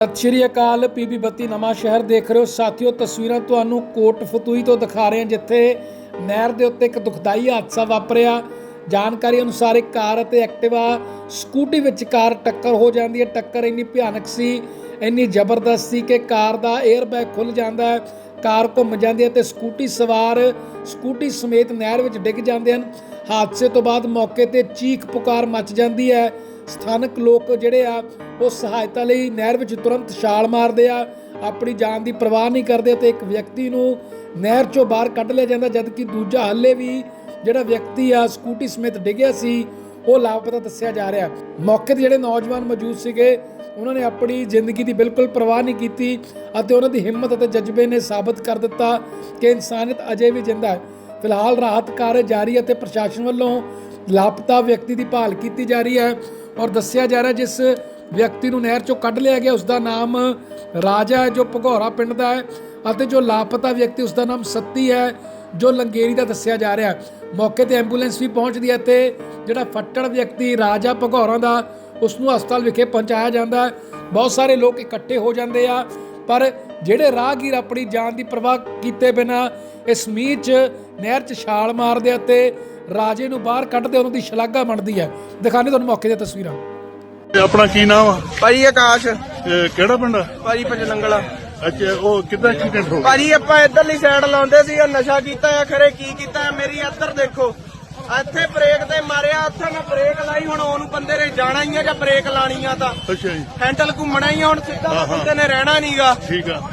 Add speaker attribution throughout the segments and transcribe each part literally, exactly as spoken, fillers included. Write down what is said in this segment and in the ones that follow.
Speaker 1: ਸਤਿ ਸ਼੍ਰੀ ਅਕਾਲ। ਪੀਬੀ ਬੱਤੀ ਨਵਾਂ ਸ਼ਹਿਰ ਦੇਖ ਰਹੇ ਹੋ ਸਾਥੀਓ। ਤਸਵੀਰਾਂ ਤੁਹਾਨੂੰ ਕੋਟ ਫਤੂਹੀ ਤੋਂ ਦਿਖਾ ਰਹੇ ਹਾਂ, ਜਿੱਥੇ ਨਹਿਰ ਦੇ ਉੱਤੇ ਇੱਕ ਦੁਖਦਾਈ ਹਾਦਸਾ ਵਾਪਰਿਆ। ਜਾਣਕਾਰੀ ਅਨੁਸਾਰ ਇੱਕ ਕਾਰ ਅਤੇ ਐਕਟਿਵਾ ਸਕੂਟੀ ਵਿਚਕਾਰ ਟੱਕਰ ਹੋ ਜਾਂਦੀ ਹੈ। ਟੱਕਰ ਇੰਨੀ ਭਿਆਨਕ ਸੀ, ਇੰਨੀ ਜ਼ਬਰਦਸਤ ਸੀ ਕਿ ਕਾਰ ਦਾ 에ਅਰ ਬੈਗ ਖੁੱਲ੍ਹ ਜਾਂਦਾ ਹੈ, ਕਾਰ ਘੁੰਮ ਜਾਂਦੀ ਹੈ ਅਤੇ ਸਕੂਟੀ ਸਵਾਰ ਸਕੂਟੀ ਸਮੇਤ ਨਹਿਰ ਵਿੱਚ ਡਿੱਗ ਜਾਂਦੇ ਹਨ। ਹਾਦਸੇ ਤੋਂ ਬਾਅਦ ਮੌਕੇ 'ਤੇ ਚੀਖ ਪੁਕਾਰ ਮਚ ਜਾਂਦੀ ਹੈ। ਸਥਾਨਕ ਲੋਕ ਜਿਹੜੇ ਆ ਉਹ ਸਹਾਇਤਾ ਲਈ ਨਹਿਰ ਵਿੱਚ ਤੁਰੰਤ ਛਾਲ ਮਾਰਦੇ ਆ, ਆਪਣੀ ਜਾਨ ਦੀ ਪਰਵਾਹ ਨਹੀਂ ਕਰਦੇ ਅਤੇ ਇੱਕ ਵਿਅਕਤੀ ਨੂੰ ਨਹਿਰ 'ਚੋਂ ਬਾਹਰ ਕੱਢ ਲਿਆ ਜਾਂਦਾ, ਜਦਕਿ ਦੂਜਾ ਹਾਲੇ ਵੀ ਜਿਹੜਾ ਵਿਅਕਤੀ ਆ ਸਕੂਟੀ ਸਮੇਤ ਡਿੱਗਿਆ ਸੀ ਉਹ ਲਾਪਤਾ ਦੱਸਿਆ ਜਾ ਰਿਹਾ। ਮੌਕੇ 'ਤੇ ਜਿਹੜੇ ਨੌਜਵਾਨ ਮੌਜੂਦ ਸੀਗੇ ਉਹਨਾਂ ਨੇ ਆਪਣੀ ਜ਼ਿੰਦਗੀ ਦੀ ਬਿਲਕੁਲ ਪਰਵਾਹ ਨਹੀਂ ਕੀਤੀ ਅਤੇ ਉਹਨਾਂ ਦੀ ਹਿੰਮਤ ਅਤੇ ਜਜ਼ਬੇ ਨੇ ਸਾਬਤ ਕਰ ਦਿੱਤਾ ਕਿ ਇਨਸਾਨੀਅਤ ਅਜੇ ਵੀ ਜਿੰਦਾ ਹੈ। ਫਿਲਹਾਲ ਰਾਹਤ ਕਾਰਜ ਜਾਰੀ ਅਤੇ ਪ੍ਰਸ਼ਾਸਨ ਵੱਲੋਂ ਲਾਪਤਾ ਵਿਅਕਤੀ ਦੀ ਭਾਲ ਕੀਤੀ ਜਾ ਰਹੀ ਹੈ ਔਰ ਦੱਸਿਆ ਜਾ ਰਿਹਾ ਜਿਸ ਵਿਅਕਤੀ ਨੂੰ ਨਹਿਰ 'ਚੋਂ ਕੱਢ ਲਿਆ ਗਿਆ ਉਸ ਦਾ ਨਾਮ ਰਾਜਾ ਹੈ, ਜੋ ਭਗੌਰਾ ਪਿੰਡ ਦਾ ਹੈ, ਅਤੇ ਜੋ ਲਾਪਤਾ ਵਿਅਕਤੀ ਉਸ ਦਾ ਨਾਮ ਸੱਤੀ ਹੈ, ਜੋ ਲੰਗੇਰੀ ਦਾ ਦੱਸਿਆ ਜਾ ਰਿਹਾ। ਮੌਕੇ 'ਤੇ ਐਂਬੂਲੈਂਸ ਵੀ ਪਹੁੰਚਦੀ ਹੈ ਅਤੇ ਜਿਹੜਾ ਫੱਟੜ ਵਿਅਕਤੀ ਰਾਜਾ ਭਗੌਰਾ ਦਾ ਉਸ ਨੂੰ ਹਸਪਤਾਲ ਵਿਖੇ ਪਹੁੰਚਾਇਆ ਜਾਂਦਾ ਹੈ। ਬਹੁਤ ਸਾਰੇ ਲੋਕ ਇਕੱਠੇ ਹੋ ਜਾਂਦੇ ਆ, ਪਰ ਜਿਹੜੇ ਰਾਹਗੀਰ ਆਪਣੀ ਜਾਨ ਦੀ ਪਰਵਾਹ ਕੀਤੇ ਬਿਨਾਂ ਇਸ ਮੀਂਹ 'ਚ ਨਹਿਰ 'ਚ ਛਾਲ ਮਾਰਦੇ ਅਤੇ ਰਾਜੇ ਨੂੰ ਬਾਹਰ ਕੱਢਦੇ, ਉਹਨਾਂ ਦੀ ਸ਼ਲਾਘਾ ਬਣਦੀ ਹੈ। ਦਿਖਾਣੇ ਤੁਹਾਨੂੰ ਮੌਕੇ ਦੀਆਂ ਤਸਵੀਰਾਂ।
Speaker 2: ਆਪਣਾ ਕੀ ਨਾਮ ਆ
Speaker 3: ਭਾਜੀ? ਆਕਾਸ਼।
Speaker 2: ਇਹ ਕਿਹੜਾ ਪਿੰਡ ਆ
Speaker 3: ਭਾਜੀ ਪਚਲੰਗਲਾ।
Speaker 2: ਅੱਛਾ, ਉਹ ਕਿੱਦਾਂ ਐਕਸੀਡੈਂਟ ਹੋ ਗਿਆ?
Speaker 3: ਭਾਜੀ ਆਪਾਂ ਇੱਧਰਲੀ ਸਾਈਡ ਲਾਉਂਦੇ ਸੀ, ਉਹ ਨਸ਼ਾ ਕੀਤਾ ਆ, ਖਰੇ ਕੀ ਕੀਤਾ ਆ। ਮੇਰੀ ਇੱਧਰ ਦੇਖੋ, ਇੱਥੇ ਬ੍ਰੇਕ ਤੇ ਮਾਰਿਆ, ਉੱਥੇ ਮੈਂ ਬ੍ਰੇਕ ਲਾਈ। ਹੁਣ ਉਹਨੂੰ ਬੰਦੇ ਨੇ ਜਾਣਾ ਹੀ ਆ ਜਾਂ ਬ੍ਰੇਕ ਲਾਣੀ ਆ ਤਾਂ
Speaker 2: ਅੱਛਾ ਜੀ,
Speaker 3: ਹੈਂਡਲ ਘੁੰਮਣਾ ਹੀ ਆ, ਹੁਣ ਸਿੱਧਾ ਬੰਦੇ ਨੇ ਰਹਿਣਾ ਨਹੀਂਗਾ।
Speaker 2: ਠੀਕ ਆ।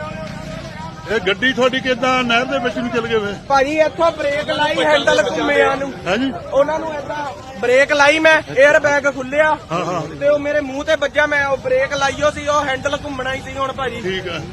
Speaker 2: ਇਹ ਗੱਡੀ ਤੁਹਾਡੀ ਕਿੱਦਾਂ ਨਹਿਰ ਦੇ ਵਿੱਚ ਨੂੰ ਚਲ ਗਏ ਵੇ?
Speaker 3: ਭਾਜੀ ਇੱਥੋਂ ਬ੍ਰੇਕ ਲਾਈ, ਹੈਂਡਲ ਘੁੰਮਿਆ ਨੂੰ।
Speaker 2: ਹਾਂਜੀ,
Speaker 3: ਉਹਨਾਂ ਨੂੰ ਏਦਾਂ ਬ੍ਰੇਕ ਲਾਈ, ਮੈਂ 에ਅਰ ਬੈਗ ਖੁੱਲਿਆ
Speaker 2: ਹਾਂ ਹਾਂ,
Speaker 3: ਤੇ ਉਹ ਮੇਰੇ ਮੂੰਹ ਤੇ ਵੱਜਾ। ਮੈਂ ਉਹ ਬ੍ਰੇਕ ਲਾਈਓ ਸੀ, ਉਹ ਹੈਂਡਲ ਘੁੰਮਣਾ ਹੀ ਸੀ ਹੁਣ ਭਾਜੀ।
Speaker 2: ਠੀਕ ਆ।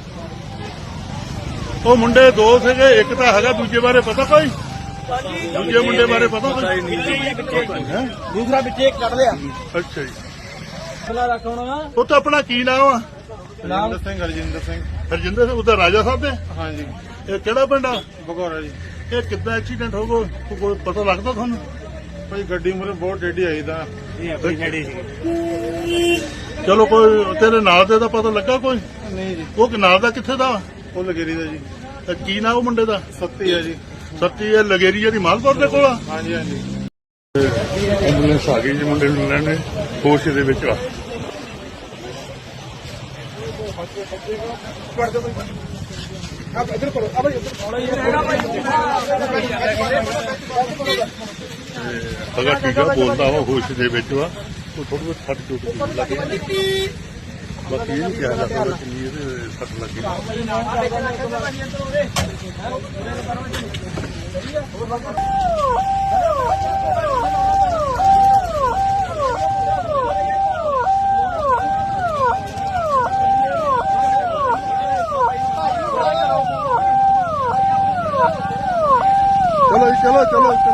Speaker 2: ਉਹ ਮੁੰਡੇ ਦੋ ਸੀਗੇ, ਇੱਕ ਤਾਂ ਹੈਗਾ, ਦੂਜੇ ਬਾਰੇ ਪਤਾ ਕੋਈ? ਦੂਜੇ ਮੁੰਡੇ ਬਾਰੇ ਪਤਾ ਕੋਈ?
Speaker 3: ਦੂਸਰਾ ਵਿੱਚੇ ਕੱਢ ਲਿਆ।
Speaker 2: ਅੱਛਾ ਜੀ।
Speaker 3: ਖਲਾ ਰੱਖ ਹੋਣਾ।
Speaker 2: ਉਹ ਤਾਂ ਆਪਣਾ ਕੀ ਨਾਮ ਆ?
Speaker 3: ਨਾਮ ਸਿੰਘ ਹਰਜਿੰਦਰ ਸਿੰਘ।
Speaker 2: ਹਰਜਿੰਦਰ ਸਿੰਘ, ਉਹਦਾ ਰਾਜਾ ਸਾਹਿਬ ਦੇ?
Speaker 3: ਹਾਂਜੀ।
Speaker 2: ਇਹ ਕਿਹੜਾ ਪਿੰਡ ਆ?
Speaker 3: ਭਗੌਰਾ ਜੀ।
Speaker 2: ਇਹ ਕਿੱਦਾਂ ਐਕਸੀਡੈਂਟ ਹੋ ਗਿਆ, ਕੋਈ ਪਤਾ ਲੱਗਦਾ ਤੁਹਾਨੂੰ?
Speaker 3: ਭਾਈ ਗੱਡੀ ਮੂਹਰੇ ਬਹੁਤ ਟੇਢੀ ਆਈ ਤਾਂ ਇਹ ਆਪਣੀ ਟੇਢੀ ਸੀ।
Speaker 2: ਚਲੋ, ਕੋਈ ਤੇਰੇ ਨਾਲ ਦੇ ਦਾ ਪਤਾ ਲੱਗਾ ਕੋਈ?
Speaker 3: ਨਹੀਂ ਜੀ।
Speaker 2: ਉਹ ਨਾਲ ਦਾ ਕਿੱਥੇ ਦਾ?
Speaker 3: ਉਹ ਲਗੇਰੀ ਦਾ ਜੀ।
Speaker 2: ਤੇ ਕੀ ਨਾਮ ਉਹ ਮੁੰਡੇ ਦਾ?
Speaker 3: ਸੱਤੀ ਹੈ ਜੀ।
Speaker 2: ਸੱਤੀ ਇਹ ਲਗੇਰੀ ਜਿਹੜੀ ਮਾਲਪੁਰ ਦੇ ਕੋਲ ਆ?
Speaker 3: ਹਾਂਜੀ ਹਾਂਜੀ।
Speaker 2: ਐਂਬੂਲੈਂਸ ਆ ਗਈ ਜੀ, ਮੁੰਡੇ ਨੂੰ ਲੈਣੇ ਹੋਸ਼ ਦੇ ਵਿੱਚ ਆ। ਅਗਾ ਠੀਕ ਆ, ਬੋਲਦਾ ਵਾ, ਹੋਸ਼ ਦੇ ਵਿੱਚ ਵਾ। ਉਹ ਥੋੜੀ ਬਹੁਤ ਫਟ ਚੁੱਕ ਲੱਗੀ, ਬਾਕੀ ਇਹ ਨਹੀਂ ਕਿਹਾ ਜਾ ਸਕਦਾ ਕਿ ਇਹਦੇ ਸੱਟ ਲੱਗੀ। चलो चलो चलो